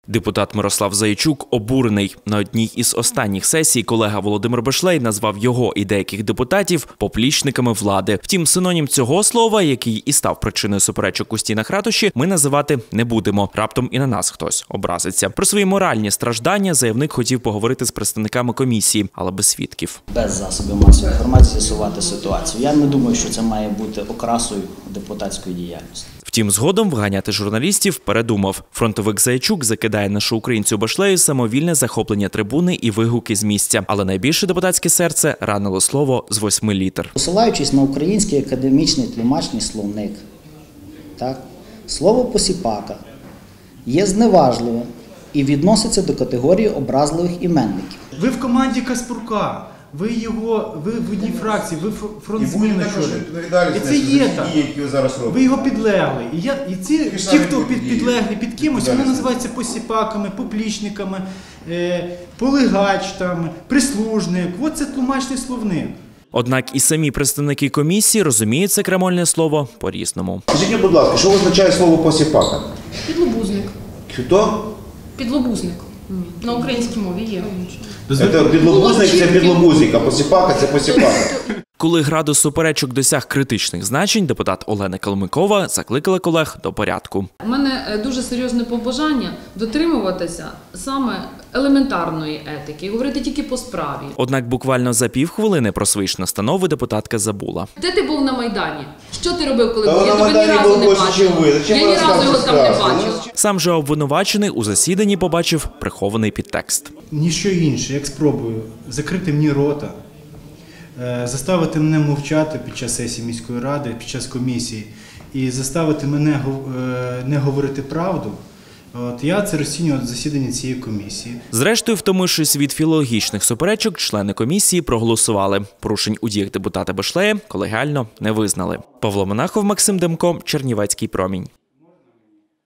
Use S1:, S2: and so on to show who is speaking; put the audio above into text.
S1: Депутат Мирослав Заячук обурений. На одній із останніх сесій колега Володимир Бешлей назвав його і деяких депутатів поплічниками влади. Втім, синонім цього слова, який і став причиною суперечок у стінах ратуші, ми називати не будемо. Раптом і на нас хтось образиться. Про свої моральні страждання заявник хотів поговорити з представниками комісії, але без свідків.
S2: Без засобів масової інформації з'ясувати ситуацію. Я не думаю, що це має бути окрасою депутатської діяльності.
S1: Втім, згодом вганяти журналістів передумав. Фронтовик Заячук закидає нашу українцю Бешлею самовільне захоплення трибуни і вигуки з місця. Але найбільше депутатське серце ранило слово з 8 літер.
S2: Посилаючись на український академічний тлумачний словник, слово «посіпака» є зневажливим і відноситься до категорії образливих іменників.
S3: Ви в команді Каспрука, ви в одній фракції, ви фронтзміни. І це є так. Ви його підлегли. І ті, хто підлеглі під кимось, вони називаються посіпаками, поплічниками, полигач, прислужник. Ось це тлумачний словник.
S1: Однак і самі представники комісії розуміють це крамольне слово по-різному.
S4: Скажіть, будь ласка, що означає слово «посіпака»?
S5: Підлобузник.
S4: Хто?
S5: Підлобузник. На українській мові є.
S4: Підлобузник – це підлобузник, а посіпака – це посіпака.
S1: Коли градус суперечок досяг критичних значень, депутат Олена Калмикова закликала колег до порядку.
S6: У мене дуже серйозне побажання дотримуватися саме елементарної етики, говорити тільки по справі.
S1: Однак буквально за півхвилини про свої ж настанови депутатка забула.
S6: Де ти був на Майдані? Що ти робив, коли був? Я тебе ні разу не бачив. Я ні разу його там не бачив.
S1: Сам же обвинувачений у засіданні побачив прихований підтекст.
S3: Ніщо інше, як спробую закрити мені рота, заставити мене мовчати під час сесії міської ради, під час комісії і заставити мене не говорити правду. Я це розцінював засідання цієї комісії.
S1: Зрештою, втомившись від філологічних суперечок, члени комісії проголосували. Порушень у діях депутата Бешлея колегіально не визнали. Павло Монахов, Максим Демко, Чернівецький промінь.